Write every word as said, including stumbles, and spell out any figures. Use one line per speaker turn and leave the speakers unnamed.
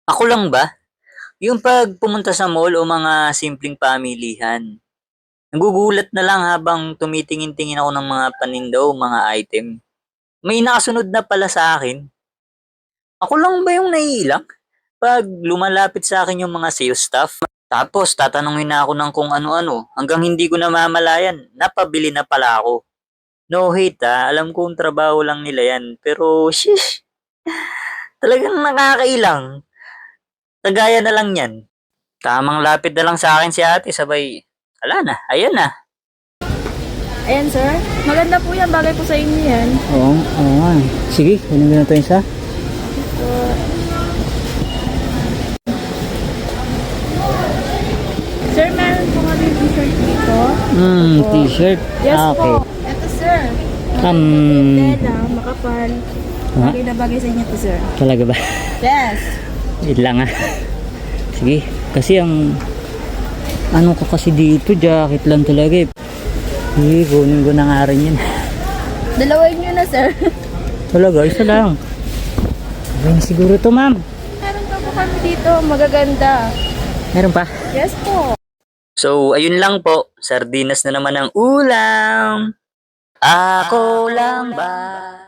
Ako lang ba? Yung 'pag pumunta sa mall o mga simpleng pamilihan, nagugulat na lang habang tumitingin-tingin ako ng mga paninda o mga item. May nakasunod na pala sa akin. Ako lang ba yung naiilang 'pag lumalapit sa akin yung mga sales staff? Tapos tatanungin na ako ng kung ano-ano hanggang hindi ko namamalayan napabili na pala ako. No hate, ah, alam kong trabaho lang nila yan pero sheesh, talagang nakakailang. Kagaya na lang yan. Tamang lapit na lang sa akin si ate sabay, wala na, ayan na.
Ayan, sir. Maganda po yan. Bagay po sa inyo yan.
Oo, oo nga. eh. Sige, kunin ko na ito isa.
So, sir, meron po kami t-shirt dito.
Hmm,
Opo.
t-shirt.
Yes
Ah, okay.
po. Ito, sir.
Um,
Tela, makapal.
Ha?
Bagay na bagay sa inyo to, sir.
Talaga ba?
Yes.
Wait lang ah. Sige, kasi ang ano ko kasi dito, jacket lang talaga eh. Sige, kunin ko na nga rin yan.
Dalawain nyo na, sir.
Talaga, isa lang. Okay na siguro to, ma'am.
Meron pa po kami dito. Magaganda.
Meron pa?
Yes po.
So, ayun lang po, sardinas na naman ang ulam. Ako lang ba?